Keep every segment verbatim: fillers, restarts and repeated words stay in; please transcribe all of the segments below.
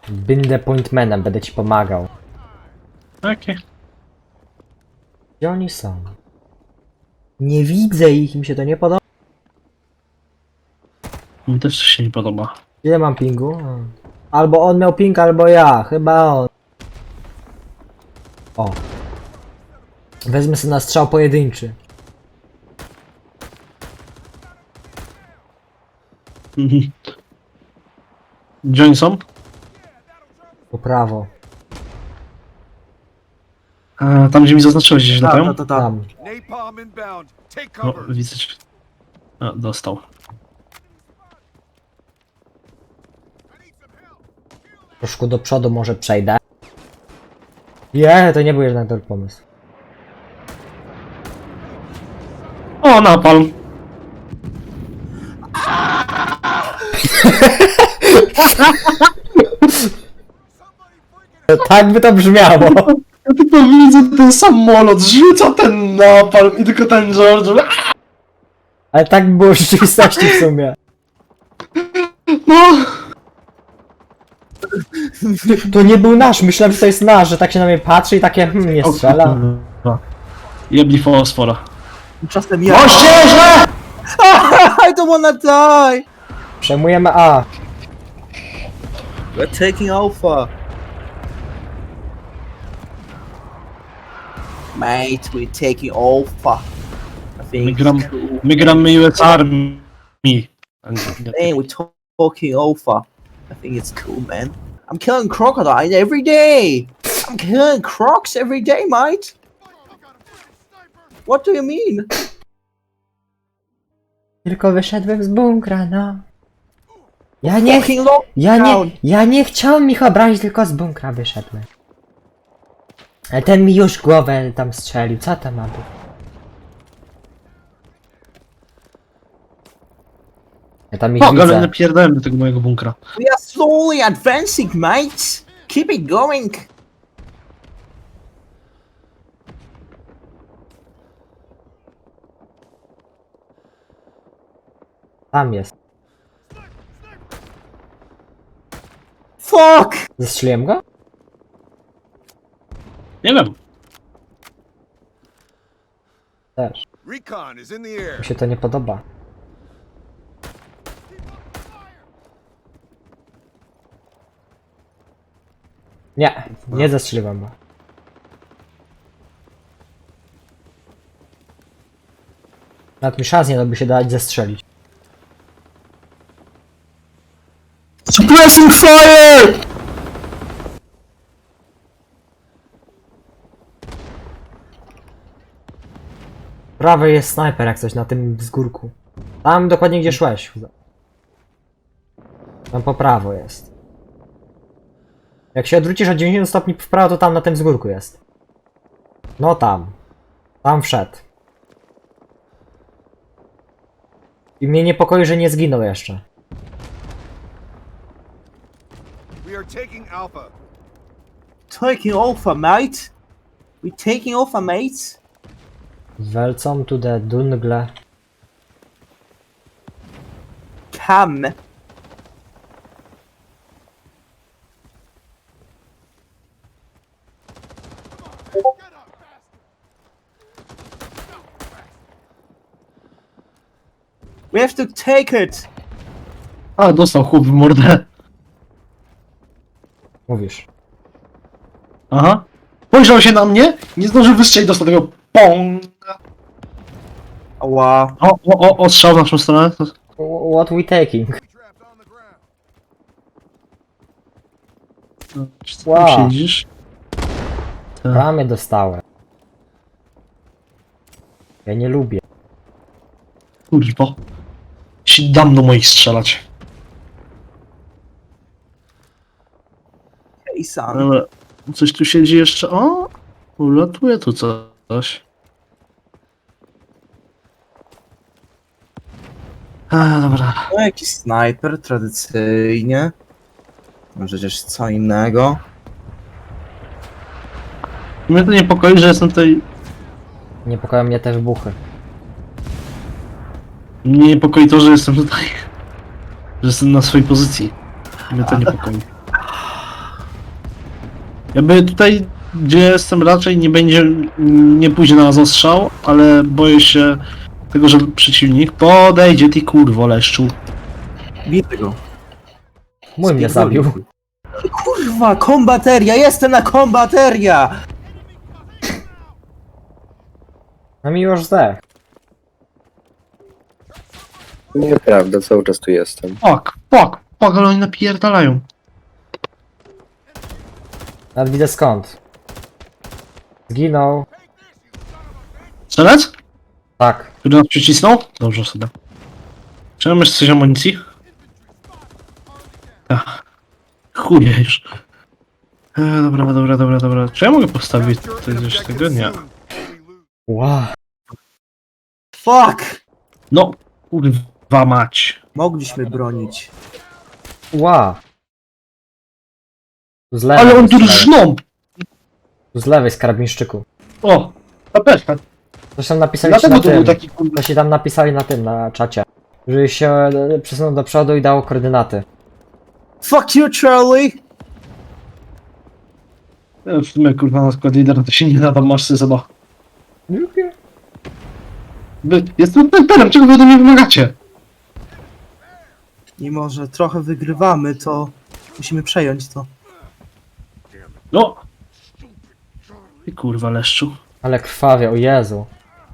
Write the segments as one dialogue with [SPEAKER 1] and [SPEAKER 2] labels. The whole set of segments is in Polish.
[SPEAKER 1] Będę pointmanem, będę ci pomagał.
[SPEAKER 2] Okej. Okay.
[SPEAKER 1] Gdzie oni są? Nie widzę ich, mi się to nie podoba.
[SPEAKER 2] Mi też się nie podoba.
[SPEAKER 1] Ile mam pingu? Albo on miał ping, albo ja. Chyba on. O. Wezmę sobie na strzał pojedynczy.
[SPEAKER 2] Mhm. Gdzie oni są?
[SPEAKER 1] Po prawo.
[SPEAKER 2] A, tam gdzie mi zaznaczyłeś, gdzieś latają?
[SPEAKER 3] Ta, ta, ta.
[SPEAKER 1] Tam.
[SPEAKER 4] Napalm inbound. Take
[SPEAKER 2] No,
[SPEAKER 4] cover.
[SPEAKER 2] widzę cię. A, dostał.
[SPEAKER 1] Troszkę do przodu może przejdę. Je, to nie był jednak dobry pomysł.
[SPEAKER 2] O, napalm!
[SPEAKER 1] Tak by to brzmiało.
[SPEAKER 2] Ja tylko widzę ten samolot, rzuca ten napalm i tylko ten George.
[SPEAKER 1] Ale tak by było w rzeczywistości w sumie.
[SPEAKER 2] No!
[SPEAKER 1] To nie był nasz, myślałem, że to jest nasz, że tak się na mnie patrzy i takie hmm, nie strzela.
[SPEAKER 2] Jebli fosfora.
[SPEAKER 3] Czasem ja.
[SPEAKER 2] Moździerze!
[SPEAKER 3] I don't wanna die!
[SPEAKER 1] Przejmujemy A.
[SPEAKER 3] We're taking Alpha. Mate, we're taking Alpha. I
[SPEAKER 2] My,
[SPEAKER 3] think
[SPEAKER 2] gram,
[SPEAKER 3] it's cool.
[SPEAKER 2] my gramy U S Army.
[SPEAKER 3] Man, we're to- talking Alpha. I think it's cool, man. I'm killing crocodile every day. I'm killing crocs every day, mate. What do you mean?
[SPEAKER 1] Tylko wyszedłem z bunkra, no. Ja nie, ch-
[SPEAKER 3] Fucking lockdown.
[SPEAKER 1] ja nie, ja nie chciałem ich obrazić, tylko z bunkra wyszedłem. Ale ten mi już głowę tam strzelił, co to ma być? Ja tam ich
[SPEAKER 2] O, ale
[SPEAKER 1] widzę.
[SPEAKER 2] napierdałem do tego mojego bunkra.
[SPEAKER 3] We are slowly advancing, mate. Keep it going.
[SPEAKER 1] Tam jest.
[SPEAKER 3] Fuck!
[SPEAKER 1] Zestrzeliłem go?
[SPEAKER 2] Nie wiem.
[SPEAKER 1] Też.
[SPEAKER 4] Recon is in the air.
[SPEAKER 1] Mi się to nie podoba. Nie, nie zestrzeliłem go. Nawet mi szans nie dałby się dać zestrzelić.
[SPEAKER 2] Suppressing fire!
[SPEAKER 1] Prawy jest snajper jak coś na tym wzgórku. Tam dokładnie gdzie szłeś. Tam po prawo jest. Jak się odwrócisz o dziewięćdziesiąt stopni w prawo, to tam na tym wzgórku jest. No tam. Tam wszedł. I mnie niepokoi, że nie zginął jeszcze.
[SPEAKER 4] We are taking Alpha.
[SPEAKER 3] Taking Alpha, mate. We taking Alpha, mates.
[SPEAKER 1] Welcome to the Dungle.
[SPEAKER 3] Come. We have to take it.
[SPEAKER 2] A, dostał chłop w mordę.
[SPEAKER 1] Mówisz.
[SPEAKER 2] Aha. Spojrzał się na mnie, nie zdążył wystrzelić, dostał tego ponga.
[SPEAKER 3] Ała.
[SPEAKER 2] O, o, o, o, strzał w naszą stronę.
[SPEAKER 1] What we taking?
[SPEAKER 4] Trapped on the ground.
[SPEAKER 2] Czy ty
[SPEAKER 1] Wow.
[SPEAKER 2] tam siedzisz? Tak.
[SPEAKER 1] Ramię dostałem. Ja nie lubię.
[SPEAKER 2] Kurwa. Się dam do moich strzelać.
[SPEAKER 3] Hey, son.
[SPEAKER 2] Ale coś tu siedzi jeszcze. O! Ulatuje tu coś. A, dobra.
[SPEAKER 3] No, jakiś snajper, tradycyjnie. No przecież co innego.
[SPEAKER 2] Mnie to niepokoi, że jestem tutaj.
[SPEAKER 1] Niepokoją mnie te wybuchy.
[SPEAKER 2] Mnie niepokoi to, że jestem tutaj. Że jestem na swojej pozycji. Mnie to niepokoi. Jakby tutaj, gdzie jestem, raczej nie będzie, nie pójdzie na nas ostrzał, ale boję się tego, że przeciwnik podejdzie, ty kurwo leszczu.
[SPEAKER 3] Biję go.
[SPEAKER 1] Mój mnie zabił.
[SPEAKER 3] Kurwa, kombateria! Jestem na kombateria!
[SPEAKER 1] No mi już zdech.
[SPEAKER 5] Nieprawda, cały czas tu jestem.
[SPEAKER 2] Fuck, fuck, fuck, ale oni napierdalają.
[SPEAKER 1] Nawet widzę skąd. Zginął.
[SPEAKER 2] Strzelec?
[SPEAKER 1] Tak.
[SPEAKER 2] Który nas przycisnął? Dobrze sobie. Czy mam jeszcze coś amunicji? Ach. Chuje już. E, dobra, dobra, dobra, dobra. Czy ja mogę postawić
[SPEAKER 4] Capture
[SPEAKER 2] tutaj
[SPEAKER 4] an
[SPEAKER 2] coś
[SPEAKER 4] objective
[SPEAKER 2] tego? Nie.
[SPEAKER 4] soon, or we lose.
[SPEAKER 1] Wow.
[SPEAKER 3] Fuck!
[SPEAKER 2] No, kurwa mać.
[SPEAKER 3] Mogliśmy bronić.
[SPEAKER 1] Wow. Tu z lewej.
[SPEAKER 2] Ale on tu
[SPEAKER 1] z lewej.
[SPEAKER 2] rżną!
[SPEAKER 1] Tu z lewej z karabinszczyku.
[SPEAKER 2] O, tapeczka.
[SPEAKER 1] Zresztą napisali ci
[SPEAKER 2] Dlatego
[SPEAKER 1] na
[SPEAKER 2] to był
[SPEAKER 1] tym.
[SPEAKER 2] taki kurwa.
[SPEAKER 1] To się tam napisali na tym, na czacie. Że się e, przesunął do przodu i dało koordynaty.
[SPEAKER 3] Fuck you, Charlie!
[SPEAKER 2] Ja w sumie kurwa na skład lider to się nie nada, masz sobie zobacz. Wy, jestem snajperem, czego wy ode mnie wymagacie?
[SPEAKER 3] Mimo, że trochę wygrywamy, to musimy przejąć to.
[SPEAKER 2] No! Ty kurwa leszczu.
[SPEAKER 1] Ale krwawie, o Jezu.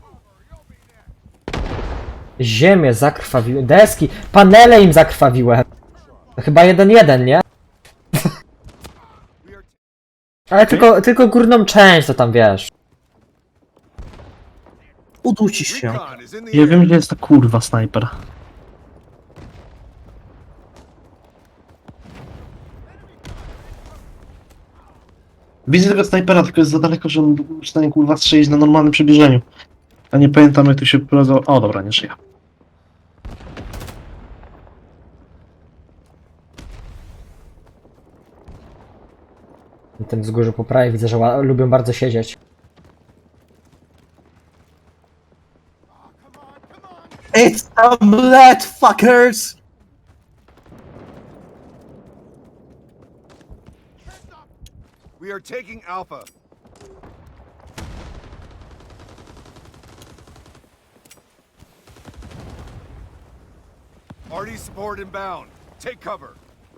[SPEAKER 1] Ziemię zakrwawiłem. Deski, panele im zakrwawiłem. To chyba jeden jeden, nie?
[SPEAKER 4] We are
[SPEAKER 1] Ale tylko, tylko górną część to tam wiesz.
[SPEAKER 3] Udusisz się.
[SPEAKER 4] Recon is in the
[SPEAKER 2] Ja
[SPEAKER 4] air.
[SPEAKER 2] wiem, gdzie jest ta kurwa snajper. Widzę tego snajpera, tylko jest za daleko, że on był w stanie kurwa strzelić na normalnym przybliżeniu. A nie pamiętam jak tu się prowadzą. O dobra, nie żyje.
[SPEAKER 1] Na tym wzgórzu po prawej widzę, że ła- lubią bardzo siedzieć.
[SPEAKER 3] It's a blood, fuckers!
[SPEAKER 4] We are taking Alpha. Arty support inbound. Take cover.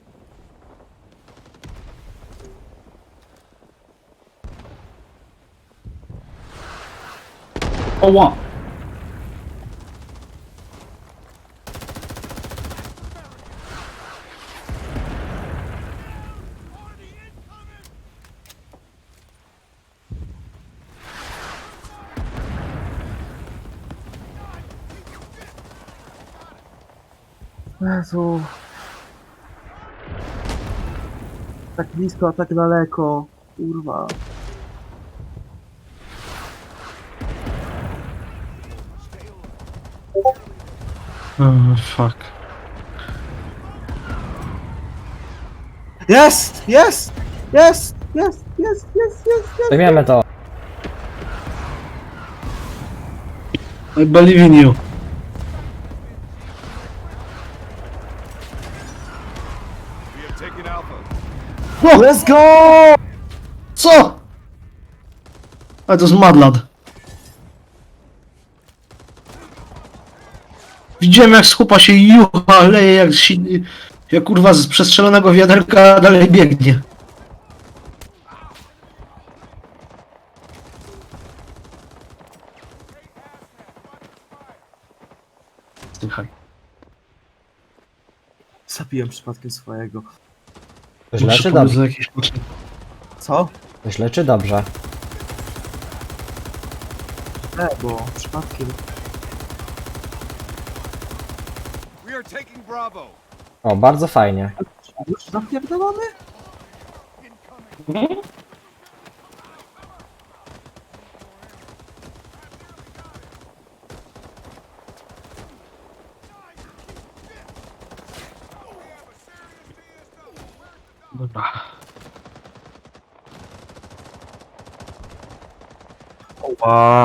[SPEAKER 2] Oła!
[SPEAKER 3] Jezu. Tak blisko, a tak daleko. Kurwa.
[SPEAKER 2] Oh, fuck.
[SPEAKER 3] Jest! Jest! Jest! Jest! Jest! Jest! Jest!
[SPEAKER 1] Zajmiemy to.
[SPEAKER 2] I believe in you.
[SPEAKER 4] We have taken Alpha.
[SPEAKER 3] Let's go!
[SPEAKER 2] Co? Ale to jest madlad. Widziałem jak z chłopa się jucha, leje jak, si- jak kurwa z przestrzelonego wiaderka dalej biegnie. Słuchaj.
[SPEAKER 3] Zabiłem przypadkiem swojego.
[SPEAKER 1] To źle
[SPEAKER 2] Muszę
[SPEAKER 1] czy
[SPEAKER 2] pomóc
[SPEAKER 1] dobrze?
[SPEAKER 2] za jakieś potrzeby.
[SPEAKER 3] Co?
[SPEAKER 1] To źle czy dobrze?
[SPEAKER 3] Nie, bo przypadkiem.
[SPEAKER 4] We are taking Bravo.
[SPEAKER 1] O, bardzo fajnie.
[SPEAKER 3] Już zapierdolamy?
[SPEAKER 2] Dobra.
[SPEAKER 3] Wow.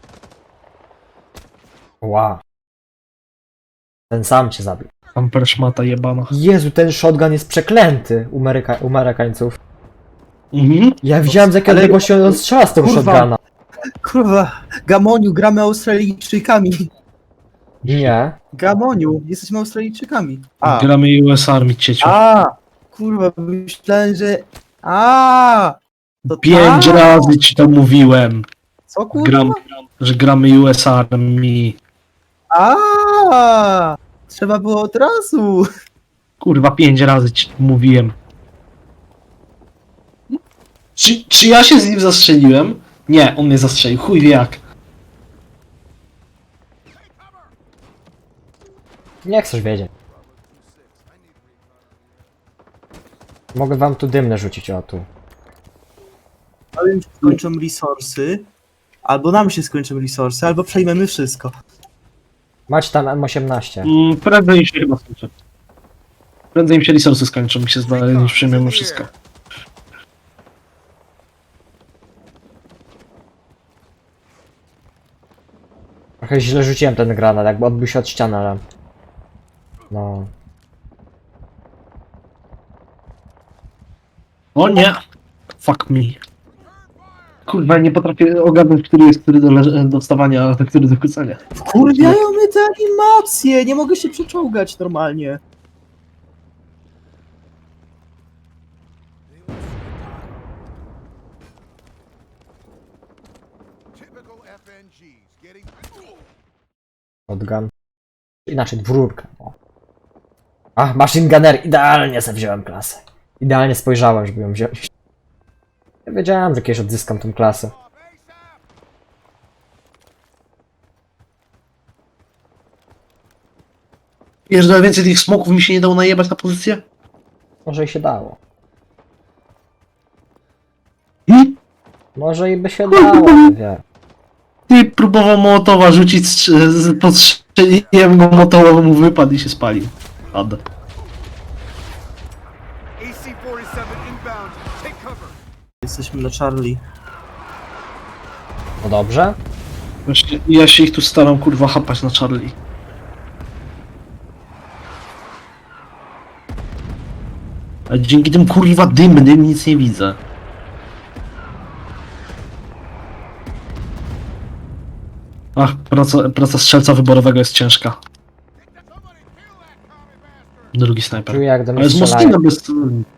[SPEAKER 1] Ła. Ten sam cię zabił.
[SPEAKER 2] Amper szmata jebana.
[SPEAKER 1] Jezu, ten shotgun jest przeklęty u, Ameryka u Amerykańców.
[SPEAKER 2] Mhm.
[SPEAKER 1] Ja widziałem, z jakiego
[SPEAKER 3] Ale-
[SPEAKER 1] odległości on strzela z tego
[SPEAKER 3] Kurwa.
[SPEAKER 1] shotguna.
[SPEAKER 3] Kurwa, Gamoniu, gramy Australijczykami.
[SPEAKER 1] Nie.
[SPEAKER 3] Gamoniu, jesteśmy Australijczykami. A,
[SPEAKER 2] Gramy U S Army, cieciu.
[SPEAKER 3] a, kurwa, myślałem, że... A, to
[SPEAKER 2] Pięć
[SPEAKER 3] tak?
[SPEAKER 2] razy ci to mówiłem.
[SPEAKER 3] Co kurwa?
[SPEAKER 2] Gram, że gramy U S Army.
[SPEAKER 3] A, trzeba było od razu.
[SPEAKER 2] Kurwa, pięć razy ci to mówiłem. Czy, czy ja się z nim zastrzeliłem? Nie, on mnie zastrzelił. Chuj wie jak.
[SPEAKER 1] Nie chcesz wiedzieć. Mogę wam tu dymne rzucić, o tu.
[SPEAKER 3] Ale im się skończą resursy, albo nam się skończą resursy, albo przejmiemy wszystko.
[SPEAKER 1] Macie tam M osiemnaście.
[SPEAKER 2] Mm, prędzej się chyba skończy. Prędzej mi się resursy skończą, mi się zdaje, niż przyjmiemy wszystko.
[SPEAKER 1] Trochę źle rzuciłem ten granat, jakby odbił się od ściany, ale... No...
[SPEAKER 2] O nie! Fuck me. Kurwa, nie potrafię ogarnąć, który jest który do, leż- do wstawania, a który do kłócenia.
[SPEAKER 3] Wkurwiają mnie te animacje, nie mogę się przeczołgać normalnie.
[SPEAKER 4] Typical F N Gs getting.
[SPEAKER 1] Shotgun. Inaczej, dwururka. O. Ach, machine gunner, idealnie sobie wziąłem klasę. Idealnie spojrzałem, żeby ją wziąć. Ja wiedziałem, że kiedyś odzyskam tą klasę.
[SPEAKER 2] Wiesz, że więcej tych smoków mi się nie dało najebać na pozycję?
[SPEAKER 1] Może i się dało.
[SPEAKER 2] Hmm?
[SPEAKER 1] Może i by się dało, nie wiem.
[SPEAKER 2] Ty próbował Mołotowa rzucić, strz- z- podstrzeliłem go, Mołotowa mu wypadł i się spalił. Ad.
[SPEAKER 4] A C forty-seven inbound. Take cover.
[SPEAKER 3] Jesteśmy na Charlie.
[SPEAKER 1] No dobrze.
[SPEAKER 2] Właśnie, ja się ich tu staram kurwa chapać na Charlie. A dzięki tym kurwa dymnym nic nie widzę. Ach, praca, praca strzelca wyborowego jest ciężka. Drugi snajper.
[SPEAKER 1] Czuję, jak do mnie
[SPEAKER 2] Ale z
[SPEAKER 1] strzelają.
[SPEAKER 2] Moskina bez...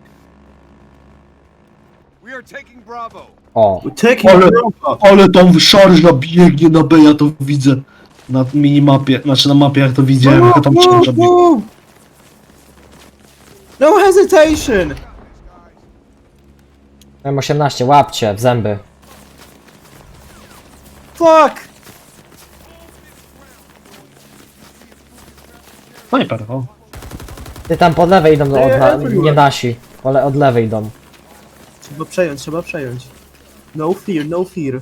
[SPEAKER 4] We are taking Bravo.
[SPEAKER 1] O,
[SPEAKER 3] Taking
[SPEAKER 2] Ale-
[SPEAKER 3] Bravo.
[SPEAKER 2] Ale tam szarża biegnie na B, ja to widzę. Na minimapie, znaczy na mapie jak to widziałem, jak tam szarża biegnie.
[SPEAKER 3] No hesitation!
[SPEAKER 1] M osiemnaście, łapcie w zęby.
[SPEAKER 3] Fuck!
[SPEAKER 2] Snajper, o.
[SPEAKER 1] Ty tam po lewej idą, od na,
[SPEAKER 3] everywhere.
[SPEAKER 1] nie nasi. Ale od lewej idą.
[SPEAKER 3] Trzeba przejąć, trzeba przejąć. No fear, no fear.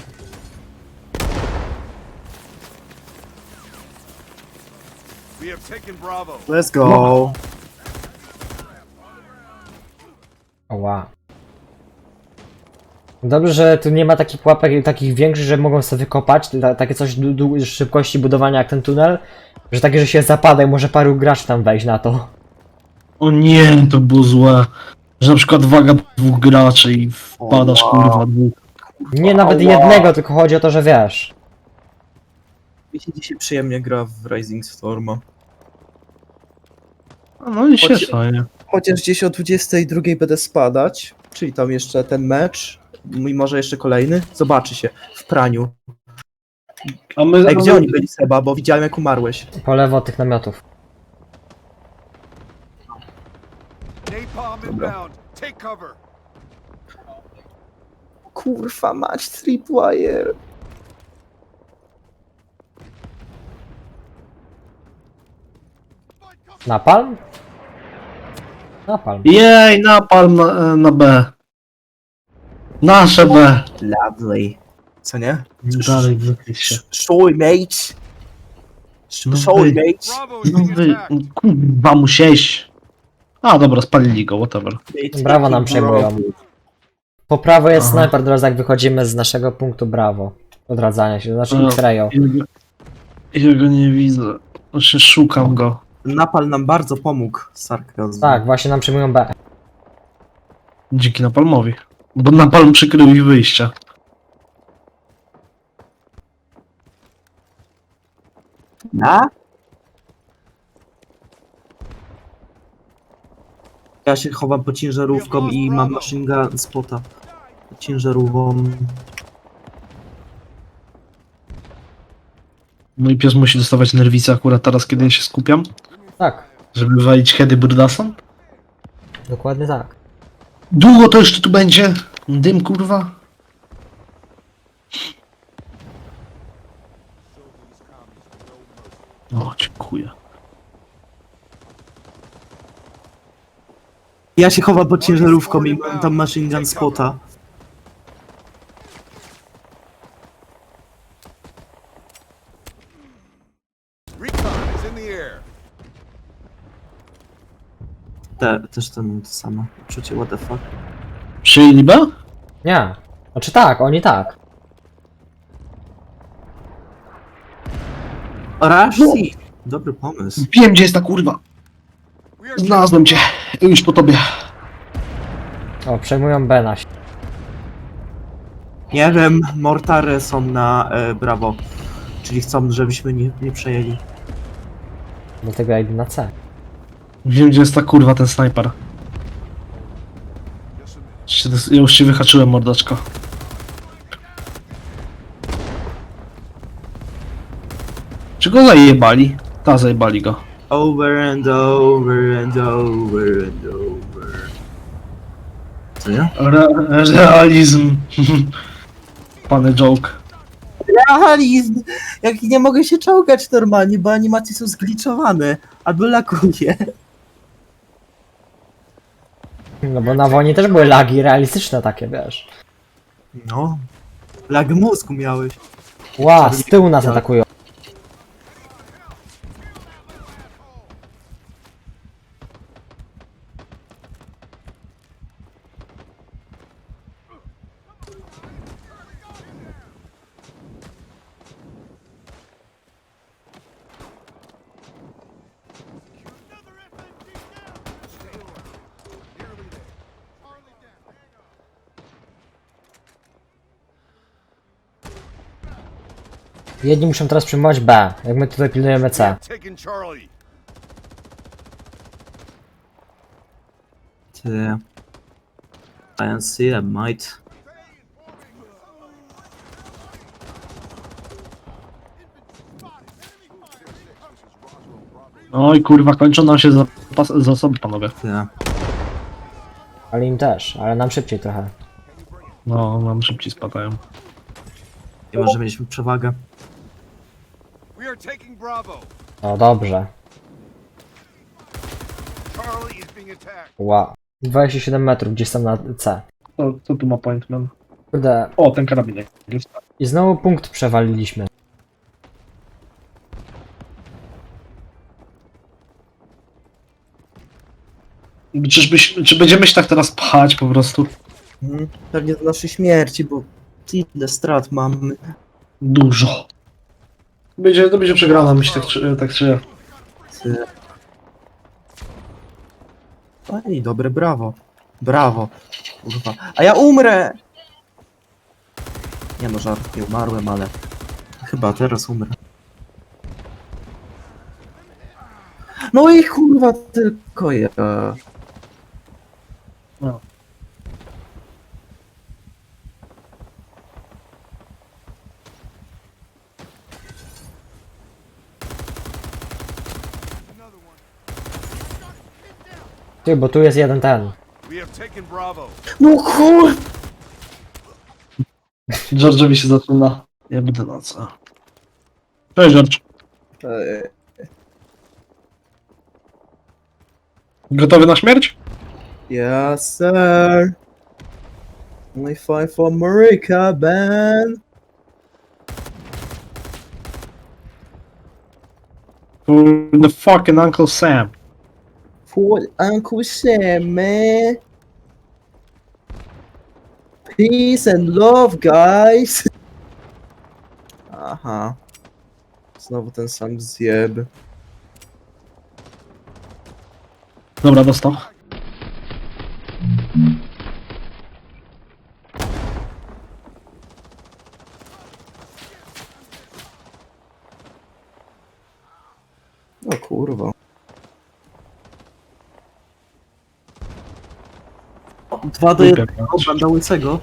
[SPEAKER 4] We have taken Bravo.
[SPEAKER 3] Let's go.
[SPEAKER 1] Oła. Dobrze, że tu nie ma takich pułapek takich większych, że mogą sobie wykopać, ta, takie coś du, du, szybkości budowania jak ten tunel, że takie, że się zapada i może paru graczy tam wejść na to.
[SPEAKER 2] O nie, to było złe. Że na przykład waga dwóch graczy i wpadasz
[SPEAKER 3] O,
[SPEAKER 2] kurwa dwóch.
[SPEAKER 1] Nie nawet
[SPEAKER 3] Ała.
[SPEAKER 1] jednego, tylko chodzi o to, że wiesz.
[SPEAKER 3] Mi się dzisiaj przyjemnie gra w Rising Storma.
[SPEAKER 2] No i się
[SPEAKER 3] Chodź-
[SPEAKER 2] fajnie.
[SPEAKER 3] Chociaż gdzieś o dwudziestej drugiej będę spadać, czyli tam jeszcze ten mecz, i może jeszcze kolejny, zobaczy się w praniu.
[SPEAKER 2] A my...
[SPEAKER 3] Ej, gdzie oni byli, Seba, bo widziałem jak umarłeś.
[SPEAKER 1] Po lewo od tych namiotów.
[SPEAKER 4] Napalm inbound. Take cover.
[SPEAKER 3] Kurwa mać, tripwire.
[SPEAKER 1] Napalm? Napalm.
[SPEAKER 2] Jej, napalm na, na B. Nasze B.
[SPEAKER 3] Lovely. Co nie?
[SPEAKER 2] Dalej wykryć się.
[SPEAKER 3] Showy mate.
[SPEAKER 2] No
[SPEAKER 3] Showy
[SPEAKER 2] wy-
[SPEAKER 3] mate.
[SPEAKER 4] Bravo is
[SPEAKER 2] No
[SPEAKER 4] being
[SPEAKER 2] wy...
[SPEAKER 4] attacked.
[SPEAKER 2] Kurwa musiałeś. A dobra, spalili go, whatever.
[SPEAKER 1] Brawo nam przejmują. Po prawo jest
[SPEAKER 2] Aha.
[SPEAKER 1] snajper, teraz jak wychodzimy z naszego punktu brawo. Odradzania się, znaczy
[SPEAKER 2] No.
[SPEAKER 1] X-rayu.
[SPEAKER 2] Ja go, ja go nie widzę. Znaczy szukam go.
[SPEAKER 3] Napal nam bardzo pomógł, sarkazm.
[SPEAKER 1] Tak, właśnie nam przejmują B.
[SPEAKER 2] Dzięki napalmowi. Bo napalm przykrył ich wyjścia.
[SPEAKER 3] Na? Ja się chowam pod ciężarówką i mam machine gun spota. Pod ciężarówką.
[SPEAKER 2] Mój pies musi dostawać nerwice akurat teraz, kiedy ja się skupiam,
[SPEAKER 1] Tak,
[SPEAKER 2] żeby walić heady burdasem.
[SPEAKER 1] dokładnie tak.
[SPEAKER 2] Długo to jeszcze tu będzie? Dym, kurwa? O, dziękuję.
[SPEAKER 3] Ja się chowam pod ciężarówką i mam tam machine gun spota.
[SPEAKER 4] Recon is in the air.
[SPEAKER 3] Te, też to mam to samo. Uczucie, what the fuck.
[SPEAKER 2] Przyjęli B?
[SPEAKER 1] Nie. Znaczy tak, oni tak.
[SPEAKER 3] Rashi! Dobry pomysł.
[SPEAKER 2] Wiem, gdzie jest ta kurwa.
[SPEAKER 4] We are
[SPEAKER 2] Znalazłem cię. Już po tobie.
[SPEAKER 1] O, przejmują B nasi.
[SPEAKER 3] Nie wiem, mortary są na e, Bravo. Czyli chcą, żebyśmy nie, nie przejęli.
[SPEAKER 1] Dlatego ja idę na C.
[SPEAKER 2] Wiem, gdzie jest ta kurwa, ten snajper. Ja już się wyhaczyłem, mordaczko. Czy go zajebali? Ta, zajebali go.
[SPEAKER 3] Over and over and over and over. Co nie?
[SPEAKER 2] Re realizm. Pany joke.
[SPEAKER 3] Realizm! Jak nie mogę się czołgać normalnie, bo animacje są zgliczowane. Albo lakuje.
[SPEAKER 1] No bo na wojnie też były lagi realistyczne takie, wiesz.
[SPEAKER 3] No. Lag mózgu miałeś.
[SPEAKER 1] Ła, z tyłu nas atakują. Jedni muszą teraz przyjmować B, jak my tutaj pilnujemy C.
[SPEAKER 4] taking Charlie.
[SPEAKER 3] Ty. I don't see that might.
[SPEAKER 2] Oj kurwa, kończą nam się zapas- zasoby, panowie.
[SPEAKER 3] Ty.
[SPEAKER 1] Ale im też, ale nam szybciej trochę.
[SPEAKER 2] No, nam szybciej spadają.
[SPEAKER 3] I może mieliśmy przewagę.
[SPEAKER 4] We are taking Bravo.
[SPEAKER 1] O, dobrze.
[SPEAKER 4] Charlie is being attacked.
[SPEAKER 1] Ła. dwadzieścia siedem metrów, gdzieś tam na C.
[SPEAKER 2] Co, co tu ma pointman?
[SPEAKER 1] Kurde.
[SPEAKER 2] O, ten karabinek. Jest.
[SPEAKER 1] I znowu punkt przewaliliśmy.
[SPEAKER 2] Czyżbyś, czy będziemy się tak teraz pchać po prostu?
[SPEAKER 3] Mhm. Pewnie do naszej śmierci, bo ile strat mamy.
[SPEAKER 2] Dużo. Będzie, to będzie przegrana, myślę, tak, czy- tak czy...
[SPEAKER 3] Ty. Ej, dobre, brawo. Brawo. Kurwa. A ja umrę! Nie no, żart, nie umarłem, ale... Chyba teraz umrę. No i kurwa, tylko ja.
[SPEAKER 2] No.
[SPEAKER 1] Ty, bo tu jest jeden ten.
[SPEAKER 4] We have taken Bravo.
[SPEAKER 3] No kur...
[SPEAKER 2] George'owi się zaczyna. Ja będę na co. Cześć, George.
[SPEAKER 3] Ej,
[SPEAKER 2] Gotowy na śmierć?
[SPEAKER 3] yes, sir. Only fight for America, man.
[SPEAKER 2] For the fucking Uncle Sam.
[SPEAKER 3] For Uncle Sam, man. Peace and love, guys. Aha. Znowu ten sam zjeb.
[SPEAKER 2] Dobra, dostał.
[SPEAKER 3] O kurwa. Dwa do jednego, banda łysego.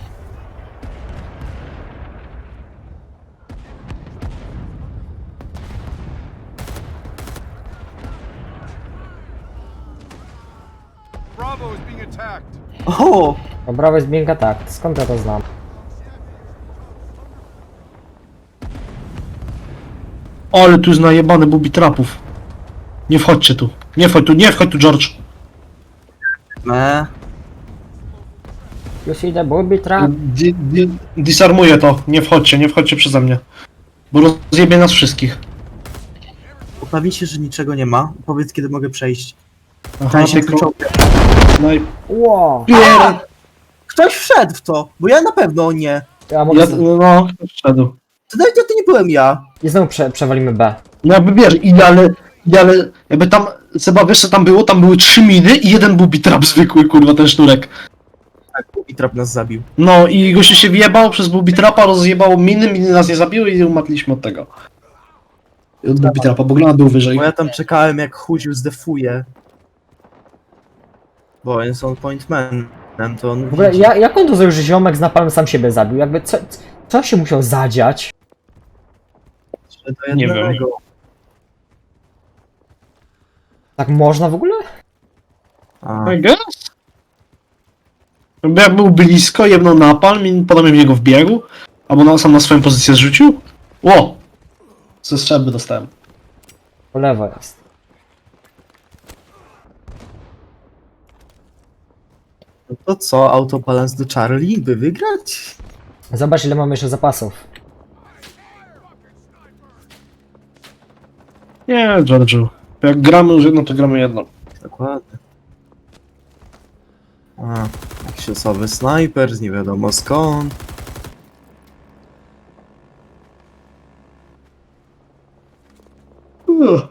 [SPEAKER 4] Bravo is being attacked.
[SPEAKER 3] O!
[SPEAKER 1] Dobra, jest biega tak, skąd ja to znam?
[SPEAKER 2] Ale tu jest najebany bubi trapów. Nie wchodźcie tu. Nie wchodź tu, nie wchodź tu, George.
[SPEAKER 3] Me.
[SPEAKER 1] You see the booby trap?
[SPEAKER 2] Di, di, disarmuję to. Nie wchodźcie, nie wchodźcie przeze mnie. Bo rozjebie nas wszystkich.
[SPEAKER 3] Uprawi się, że niczego nie ma. Powiedz, kiedy mogę przejść.
[SPEAKER 2] Aha,
[SPEAKER 3] Ten się
[SPEAKER 2] tylko...
[SPEAKER 3] kluczowy.
[SPEAKER 2] No i...
[SPEAKER 1] Ło!
[SPEAKER 2] Pier...
[SPEAKER 3] Ktoś wszedł w to, bo ja na pewno nie.
[SPEAKER 1] Ja mogę...
[SPEAKER 2] Ja,
[SPEAKER 1] z-
[SPEAKER 2] no, wszedł.
[SPEAKER 3] To nawet to nie byłem ja.
[SPEAKER 1] I znowu prze przewalimy B.
[SPEAKER 2] No jakby wiesz, idealne, idealne, jakby tam, Seba, wiesz co tam było? Tam były trzy miny i jeden bubi trap zwykły, kurwa, ten sznurek.
[SPEAKER 3] Tak, i trap nas zabił.
[SPEAKER 2] No i gościu się wjebał przez bubi trapa, rozjebało miny, miny nas nie zabiły i umatliśmy od tego. I od bubi trapa, bo granat był wyżej.
[SPEAKER 3] Bo ja tam czekałem, jak chudził zdefuje. Bo on jest on point man. To on
[SPEAKER 1] W ogóle,
[SPEAKER 3] widzi.
[SPEAKER 1] ja, jak on to zrobił, że ziomek z napalem sam siebie zabił? Jakby, co, co się musiał zadziać?
[SPEAKER 3] Że do
[SPEAKER 2] Nie wiem.
[SPEAKER 3] jednego.
[SPEAKER 1] Tak można w ogóle?
[SPEAKER 3] A,
[SPEAKER 2] I guess. Jakby jak był blisko, jebnął napalm i potem w niego wbiegł, albo na, sam na swoją pozycję zrzucił. Ło! Ze strzelby dostałem.
[SPEAKER 1] Po lewo jest.
[SPEAKER 3] no to co, autobalans do Charlie, by wygrać?
[SPEAKER 1] Zobacz, ile mamy jeszcze zapasów.
[SPEAKER 2] Nie, George'u. Jak gramy już jedno, to gramy jedno.
[SPEAKER 3] Dokładnie. A, jakiś osoby snajper z nie wiadomo skąd.
[SPEAKER 2] Uff.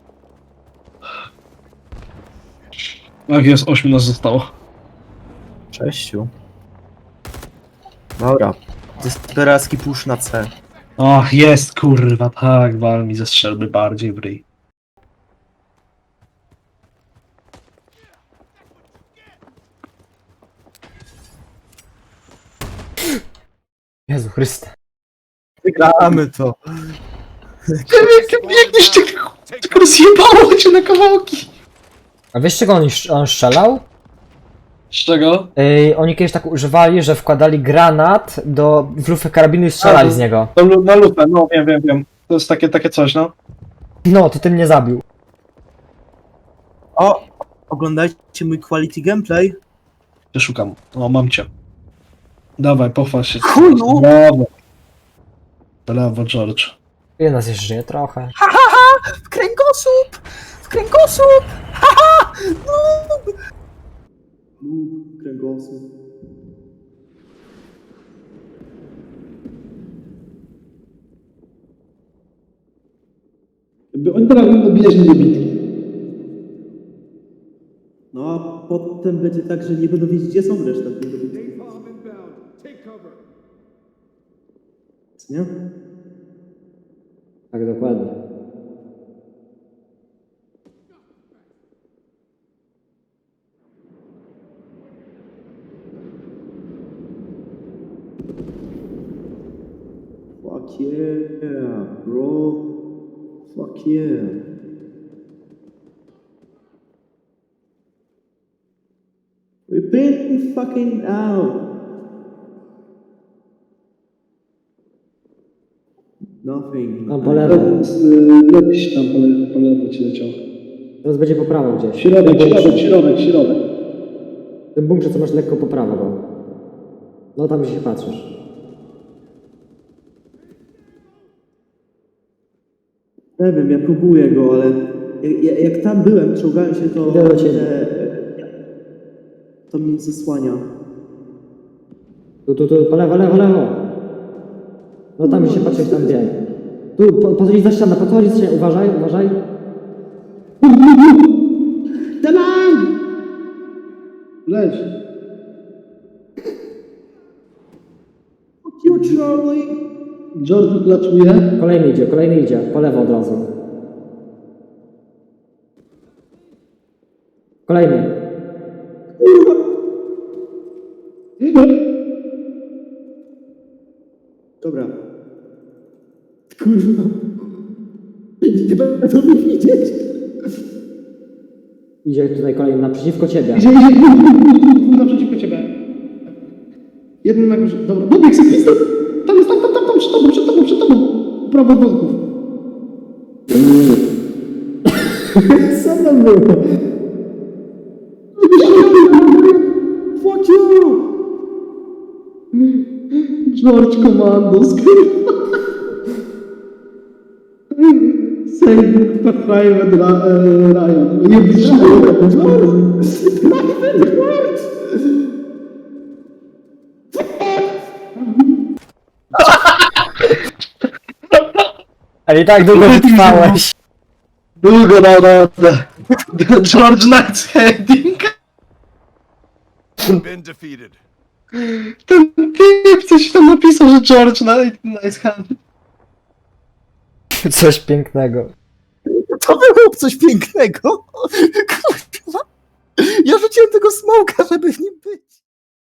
[SPEAKER 2] Tak jest, ośmiu nas zostało.
[SPEAKER 3] Sześciu. Dobra. Desperacki push na C.
[SPEAKER 2] Ach, jest, kurwa, tak, wal mi ze strzelby bardziej w ryj.
[SPEAKER 1] Jezu Chryste.
[SPEAKER 3] Wygramy to.
[SPEAKER 2] Biegniesz, tylko rozjebało cię na kawałki.
[SPEAKER 1] A wiesz czego on, on strzelał?
[SPEAKER 2] Z czego?
[SPEAKER 1] Yy, oni kiedyś tak używali, że wkładali granat do w lufę karabinu i strzelali
[SPEAKER 2] A,
[SPEAKER 1] z niego.
[SPEAKER 2] To lu- na lupę, no wiem, wiem, wiem. To jest takie, takie coś, no.
[SPEAKER 1] No, to ty mnie zabił.
[SPEAKER 3] O! Oglądajcie mój quality gameplay.
[SPEAKER 2] Ja szukam. O, mam cię. Dawaj, pochwal się.
[SPEAKER 3] Chuju!
[SPEAKER 2] Brawo. Brawo, George.
[SPEAKER 1] Ile nas jeszcze żyje? Trochę.
[SPEAKER 3] W kręgosłup! W kręgosłup! Haha! No! W kręgosłup.
[SPEAKER 2] Jakby oni teraz będą bijać niebitki.
[SPEAKER 6] No a potem będzie tak, że nie będą wiedzieć, gdzie są reszta tych dobitków.
[SPEAKER 4] Napalm inbound. Take cover.
[SPEAKER 6] Nie?
[SPEAKER 1] Tak, dokładnie.
[SPEAKER 6] Fuck yeah, bro. Fuck yeah. We've been fucking out. Nothing.
[SPEAKER 1] Tam po lewo.
[SPEAKER 2] Lepiej tam po lewo, po lewo ci leciał.
[SPEAKER 1] Teraz będzie po prawo gdzieś.
[SPEAKER 2] Środek, środek, środek, środek.
[SPEAKER 1] W tym bunkrze co masz lekko po prawo go. No tam się patrzysz.
[SPEAKER 6] Nie wiem, ja próbuję go, ale jak, jak, jak tam byłem, czołgałem się, to,
[SPEAKER 1] Idę do ciebie.
[SPEAKER 6] te, to mnie zasłania.
[SPEAKER 1] Tu, tu, tu, po lewo, lewo, lewo. No tam się patrzysz, tam bieg. Tu, po, podchodzi za ścianę, podchodzi za ścianę, uważaj, uważaj.
[SPEAKER 6] Dalang!
[SPEAKER 2] Leć.
[SPEAKER 6] Fuck you, Charlie!
[SPEAKER 2] George klaczuje.
[SPEAKER 1] Kolejny idzie, kolejny idzie, po lewo od razu.
[SPEAKER 6] Kolejny. Dobra. Kurwa. Nie będą mnie widzieć. Idzie tutaj kolejny naprzeciwko ciebie.
[SPEAKER 7] Idzie, idzie, idzie, naprzeciwko ciebie. Jeden na górze. Dobra, dobieg sobie pistol. Tam jest, tam, tam, tam, tam, przed tobą, przed tobą, przed tobą. Prawo od wątków.
[SPEAKER 6] Co tam było? Fuck you!
[SPEAKER 7] George Commandos, kurwa. Saving Private Ra- e, Ryan. Nie widzisz Private George!
[SPEAKER 1] Ale i tak długo wytrwałeś.
[SPEAKER 2] Długo na radę. George Knight's Heading.
[SPEAKER 4] Been defeated.
[SPEAKER 2] Ten typ coś tam napisał, że George Knight, Knight's Heading.
[SPEAKER 1] Coś pięknego.
[SPEAKER 3] To było coś pięknego. Kurwa. Ja rzuciłem tego smoka, żeby w nim być.